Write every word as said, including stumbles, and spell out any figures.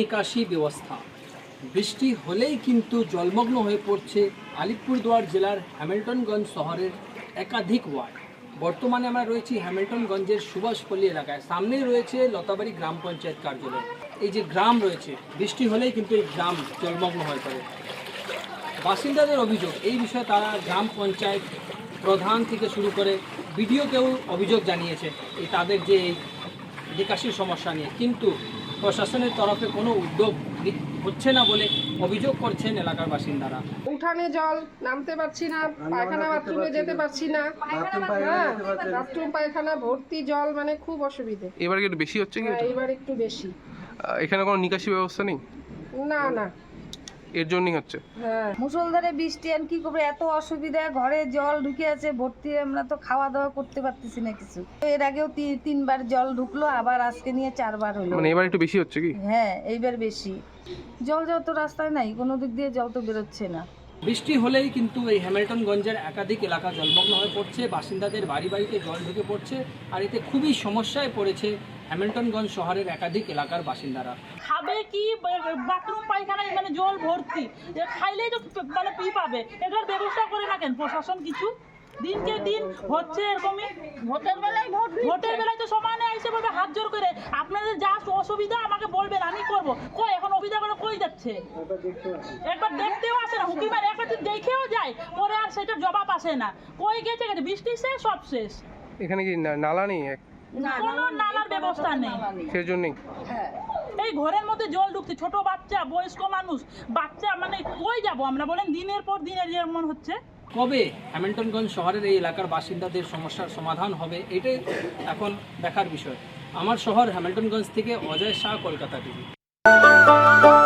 নিকাশি ব্যবস্থা। বৃষ্টি হলেই কিন্তু জলমগ্ন হয়ে পড়ছে আলিপুরদুয়ার জেলার হ্যামিল্টনগঞ্জ শহরের একাধিক ওয়ার্ড। বর্তমানে আমরা রয়েছি হ্যামিল্টনগঞ্জের সুভাষপল্লী এলাকায়। সামনেই রয়েছে লতাবাড়ি গ্রাম পঞ্চায়েত কার্যালয়। এই যে গ্রাম রয়েছে, বৃষ্টি হলেই কিন্তু এই গ্রাম জলমগ্ন হয়ে পড়ে। বাসিন্দাদের অভিযোগ, এই বিষয়ে তারা গ্রাম পঞ্চায়েত প্রধান থেকে শুরু করে বিডিওকেও অভিযোগ জানিয়েছে এই তাদের যে এই নিকাশির সমস্যা নিয়ে, কিন্তু প্রশাসনের তরফে কোনো উদ্যোগ হচ্ছে না বলে অভিযোগ করছেন এলাকার বাসিন্দারা। উঠানে জল নামতে পারছি না, পায়খানা বাথরুমে যেতে পারছি না, হ্যাঁ বাথরুম পায়খানা ভর্তি জল, মানে খুব অসুবিধে। এবার কি একটু বেশি হচ্ছে কি? হ্যাঁ, এবার একটু বেশি। আহ, এখানে কোনো নিকাশি ব্যবস্থা নেই? না না, এর জন্যই হচ্ছে। হ্যাঁ মুষলধারে বৃষ্টি, আর কি করবে, এত অসুবিধা, ঘরে জল ঢুকে আছে ভর্তি, আমরা তো খাওয়া দাওয়া করতে পারতেছি না কিছু। এর আগেও তি- তিনবার জল ঢুকলো, আবার আজকে নিয়ে চারবার হলো। মানে এবার একটু বেশি হচ্ছে কি? হ্যাঁ এইবার বেশি জল, যাওয়া তো রাস্তায় নাই, কোনো দিক দিয়ে জল তো বেরোচ্ছে না। বৃষ্টি হলেই কিন্তু এই হ্যামিল্টনগঞ্জের একাধিক এলাকা জলমগ্ন হয়ে পড়ছে, বাসিন্দাদের বাড়ি বাড়িতে জল ঢুকে পড়ছে, আর এতে খুবই সমস্যায় পড়েছে হ্যামিল্টনগঞ্জ শহরের একাধিক এলাকার বাসিন্দারা। খাবে কি, বাথরুম পায়খানায় মানে জল ভর্তি, এ খাইলেই তো মানে পি পাবে, এটার ব্যবস্থা করে না কেন প্রশাসন কিছু? দিনকে দিন হচ্ছে এরকমই। ভোটের বেলায় ভোট ভোটের বেলায় তো সমানে এসে বলবে হাত জোর করে, আপনাদের যা অসুবিধা আমাকে বলবেন, আমি করব। কই এখন অসুবিধা করে কই যাচ্ছে? একবার দেখতেও আসে না, হুকি মারে একবার দেখেও যায়, পরে আর সেটার জবাব আসে না। কই গেছে গেছে, বৃষ্টি শেষ, সব শেষ। এখানে কি না- নালা নেই? কোনো নালার ব্যবস্থা নেই। সেজন্যই এই ঘরের মধ্যে জল ঢুকছে, ছোট বাচ্চা, বয়স্ক মানুষ, বাচ্চা, মানে কই যাব আমরা বলেন? দিনের পর দিনের যেমন হচ্ছে। কবে হ্যামিল্টনগঞ্জ শহরের এই এলাকার বাসিন্দাদের সমস্যার সমাধান হবে, এটাই এখন দেখার বিষয়। আমার শহর হ্যামিল্টনগঞ্জ থেকে অজয় শাহ, কলকাতা টিভি।